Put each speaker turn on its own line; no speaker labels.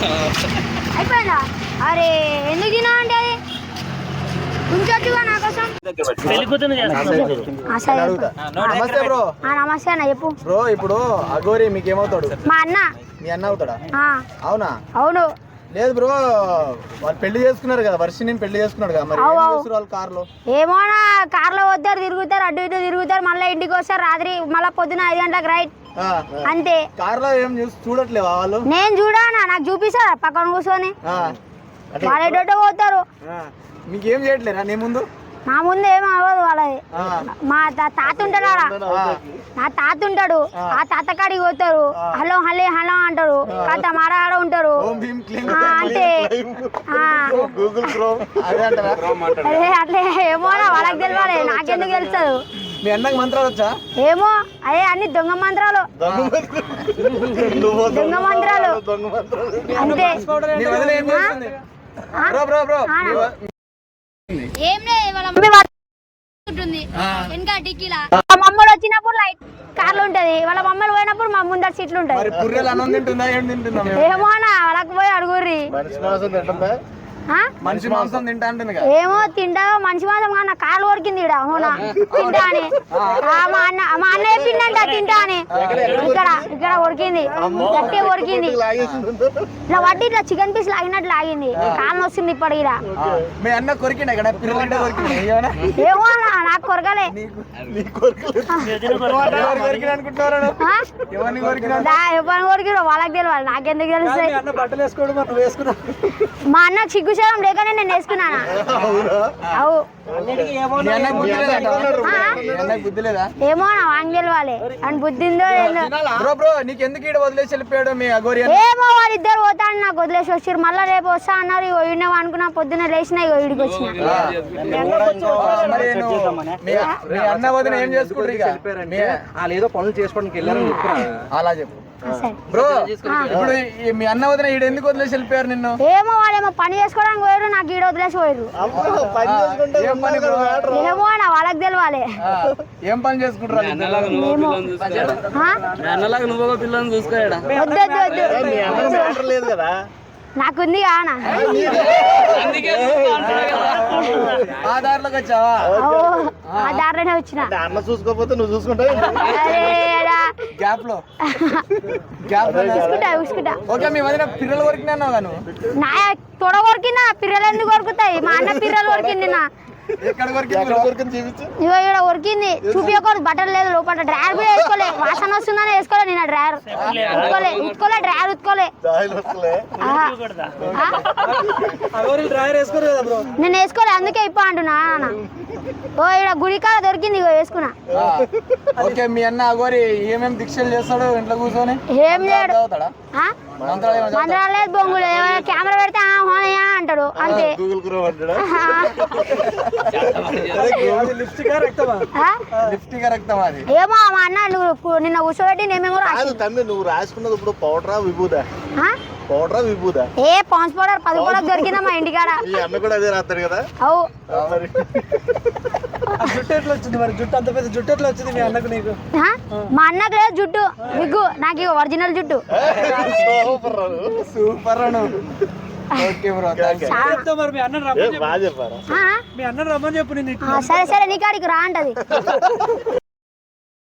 అయిపోయిందా? అరే ఎందుకు తినా అంటే అది ఉంచొచ్చుగా నా కోసం.
నమస్తే బ్రో.
నమస్తే అన్న చెప్పు
బ్రో. ఇప్పుడు అఘోరి మీకేమవుతాడు?
మా అన్న.
మీ అన్న అవుతాడా? అవునా?
అవును.
లేదు బ్రో, వాళ్ళు పెళ్లి చేసుకున్నారు కదా, వర్షిని పెళ్లి చేసుకున్నాడు కదా, మరి ఏం చేస్తారు వాళ్ళు కార్లో?
ఏమోనా కార్లో వస్తారు, తిరుగుతారు, అటు ఇటు తిరుగుతారు, మళ్ళీ ఇంటికి వస్తారు రాత్రి, మళ్ళీ పొద్దున 5 గంటలకు రైట్ అంతే.
కార్లో ఏం చూడట్లేవా వాళ్ళు?
నేను చూడానా, నాకు చూపిస్తారా పక్కన కూర్చొని? వాళ్ళు పోతారు.
మీకేం చేయట్లేరా నీ ముందు?
నా ముందు ఏం అవ్వదు వాళ్ళది. మా తాత ఉంటాడు, నా తాత ఉంటాడు, ఆ తాత కాడికి పోతారు, హలో హలే హలో అంటారు, కాత మాడ ఉంటారు అంటే అదే అట్లే. ఏమో వాళ్ళకి తెలియాలి, నాకెందుకు తెలుస్తుంది?
మీ అన్నకి మంత్రాలు వచ్చా?
ఏమో అదే అన్ని దొంగ మంత్రాలు, దొంగ మంత్రాలు అంతే. ఏం లేదు, వాళ్ళ మమ్మీ ఉంటుంది వెనక టిక్కీలా. మా మమ్మల్ని వచ్చినప్పుడు లైట్ కార్లు ఉంటది, వాళ్ళ మమ్మల్ని పోయినప్పుడు మా ముందర సీట్లు ఉంటాయి. ఏమో వాళ్ళకి పోయి అడుగుర్రి.
మనిషి మాంసం తింటా అంటుంది.
ఏమో తింటా మనిషి మాంసం కాదు, నా కాళ్ళు కొరికింది అవునా తింటా అని. మా అన్న చెప్పిందంట తింటా అని. ఇక్కడ కొరికింది, గట్టి కొరికింది, ఇట్లా వడ్డీ ఇట్లా చికెన్ పీస్ లాగినట్లు లాగింది, కాళ్ళు వస్తుంది ఇప్పటికి.
మీ అన్న కొరికిండ?
ఏమో నాకు కొరకలే. ఎవరిని కొరికిరో వాళ్ళకి తెలియాలి, నాకెందుకు తెలుస్తాయి? మా అన్నకు సిగ్గుశరం లేకనే నేను వేసుకున్నానా? అవు ఏమో నా వాంగ్ తెలియాలి అని బుద్ధిందో ఏమో. వాళ్ళిద్దరు పోతాను నాకు వదిలేసి వచ్చారు, మళ్ళీ రేపు వస్తా అన్నారు. ఇన్నో అనుకున్నా, పొద్దున్న లేచిన ఇడికి వచ్చిన.
ఏదో పనులు చేసుకోవడానికి వెళ్ళారని అలా చెప్పు బ్రో. ఇప్పుడు మీ అన్న వదిన ఈడ ఎందుకు వదిలేసి వెళ్ళిపోయారు నిన్ను?
ఏమో వాళ్ళేమో పని చేసుకోవడానికి పోయారు, నాకు ఈడ వదిలేసి పోయారు. ఏమో నా వాళ్ళకి తెలియాలి.
ఏం పని చేసుకుంటారు? లేదు కదా,
నాకుంది కానా.
ఆ దారిలోకి వచ్చావా?
ఆ దారిలోనే వచ్చిన.
అన్న చూసుకోకపోతే నువ్వు చూసుకుంటావు గ్యాప్ లో. ఓకే, మీ వదిన పిల్లలు కొరికినా
నా తొడ కొరికినా, పిల్లలు ఎందుకు కొరుకుతాయి? మా అన్న పిల్లలు కొరికింది నా. ఇగో ఇక్కడ కొరికింది, చూపించకూడదు. బట్టలు లేదు లోపల, డ్రైవర్ కూడా వేసుకోలే, వాసన వస్తుందని వేసుకోలే. నేను డ్రైవర్ ఉత్తుకోలే డ్రైవర్ ఉత్తుకోలే. నేను వేసుకోలే, అందుకే ఇప్ప అంటున్నా. ఓ ఇక్కడ గుడికాడ దొరికింది, ఇగో వేసుకున్నా.
ఓకే, మీ అన్న అగోరి ఏమేమి దీక్షలు చేస్తాడు ఇంట్లో కూర్చొని?
ఏం లేడు, మంత్రాలు లేదు, బొంగులు. కెమెరా పెడితే అంటాడు అంతే. ఏమో మా అన్న నిన్న కూర్చోబెట్టి
నువ్వు రాసుకున్నది ఇప్పుడు పౌడరా విభూదా? పౌడరా విభూదా?
ఏ పాన్స్ పౌడర్ 10 రూపాయలకు దొరికిందా మా ఇంటికాడ.
అన్న కూడా అదే రాస్తాడు కదా.
అవు
జుట్టు ఎట్లా వచ్చింది మరి? జుట్టు అంత పెద్ద జుట్టు ఎట్లా వచ్చింది మీ అన్నకు? నీకు?
మా అన్నకు లేదు జుట్టు, విగ్గు. నాకు ఒరిజినల్ జుట్టు.
సూపర్ అను.
సరే సరే నీ కాడికి రా అంటది.